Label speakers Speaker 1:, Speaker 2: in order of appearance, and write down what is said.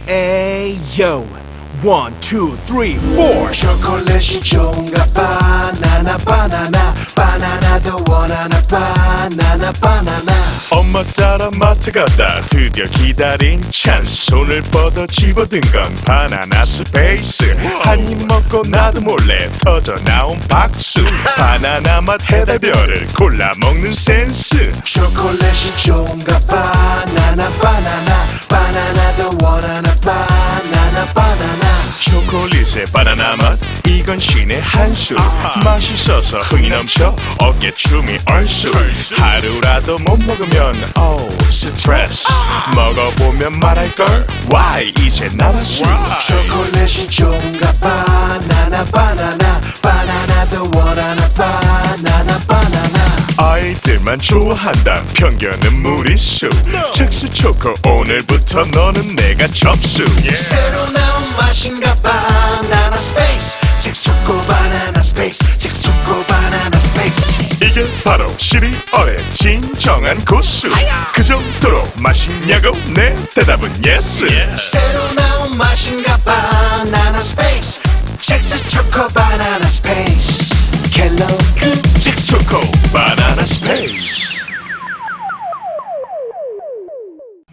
Speaker 1: Ayo, 1, 2, 3, 4.
Speaker 2: 초콜릿이 좋은가 바나나 바나나 바나나도 원하나 바나나 바나나
Speaker 3: 엄마 따라 마트 가다 드디어 기다린 찬스 손을 뻗어 집어든 건 바나나 스페이스 한 입 먹고 나도 몰래 터져 나온 박수 바나나 맛 해달별을 골라 먹는 센스
Speaker 2: 초콜릿이 좋은가 바나나 바나나 바나나도 원하나 바나나 바나나
Speaker 3: 초콜릿의 바나나 맛 이건 신의 한수 맛있어서 흥이 넘쳐 어깨춤이 얼쑤 하루라도 못 먹으면 스트레스 먹어보면 말할걸 Why 이제 남았어
Speaker 2: 초콜릿이 좋은가 바나나 바나나 바나나도 원하나 바나나 바나나
Speaker 3: 아이들만 좋아한다 편견은 무리수 즉수 초코 오늘부터 너는 내가 접수
Speaker 2: 새로 나온 맛인가 바나나 스페이스 잭스 초코 바나나 스페이스 잭스 초코 바나나 스페이스
Speaker 3: 이게 바로 시리얼의 진정한 고수 그 정도로 맛있냐고 내 대답은 yes
Speaker 2: 새로 나온 맛인가 바나나 스페이스 잭스 초코 바나나 스페이스 켈로그
Speaker 3: 잭스 초코 바나나 스페이스